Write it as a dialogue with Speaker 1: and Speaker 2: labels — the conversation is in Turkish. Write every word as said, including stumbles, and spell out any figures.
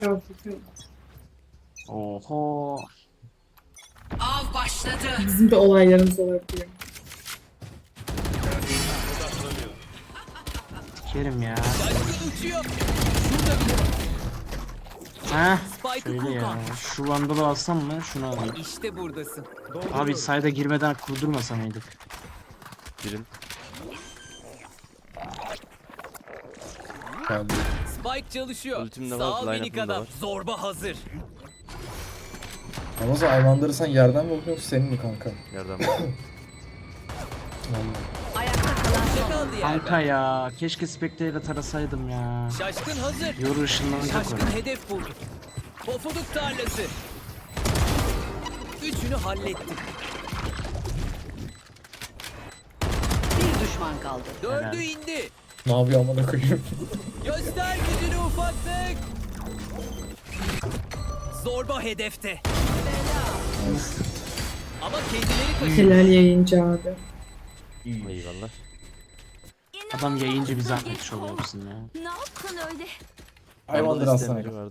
Speaker 1: Yok, yok.
Speaker 2: Oho.
Speaker 3: Av başladı.
Speaker 1: Bizim de olaylarımız olabiliyor.
Speaker 2: Kerim ya.
Speaker 4: Şaşkın uçuyor. Şurada bile var.
Speaker 2: Heh.
Speaker 4: Spike'ı
Speaker 2: Şöyle ya.
Speaker 4: kurtar.
Speaker 2: Şu vandalı alsam mı? Şunu alayım.
Speaker 4: İşte buradasın.
Speaker 2: Abi sayda girmeden kurdurmasa mıydık?
Speaker 5: Girin.
Speaker 6: Geldi.
Speaker 4: Spike çalışıyor.
Speaker 5: Ultim de var,
Speaker 4: Sağ ol
Speaker 5: line-up'ım
Speaker 4: minik
Speaker 5: da
Speaker 4: adam.
Speaker 5: var.
Speaker 4: Zorba hazır.
Speaker 6: Ama sen hayvanları sen yerden mi okuyorsun senin mi kanka?
Speaker 5: Yerden.
Speaker 6: Vallahi.
Speaker 3: Ayakta kalan
Speaker 4: Ne
Speaker 3: son.
Speaker 4: kaldı
Speaker 2: Kanka
Speaker 4: yerden?
Speaker 2: ya. Keşke Spectre ile tarasaydım ya.
Speaker 4: Şaşkın hazır.
Speaker 2: Yoru ışınlanacak
Speaker 4: Şaşkın
Speaker 2: oraya.
Speaker 4: hedef buldu. Pofuduk tarlası. Üçünü hallettik.
Speaker 3: Bir düşman kaldı.
Speaker 4: Dördü
Speaker 2: Helal.
Speaker 4: indi.
Speaker 6: Ne yapıyor amına koyayım?
Speaker 4: Göster gücünü ufaklık. Zorba hedefte. Ama kendileri kaçırdı.
Speaker 1: Helal yayıncı abi.
Speaker 5: Eyvallah.
Speaker 2: Adam yayıncı bir zahmet oluyor musun ya?
Speaker 3: Ne yaptın öyle?
Speaker 6: Hayvanları
Speaker 5: Arada
Speaker 6: alsana.
Speaker 5: istemeci vardı.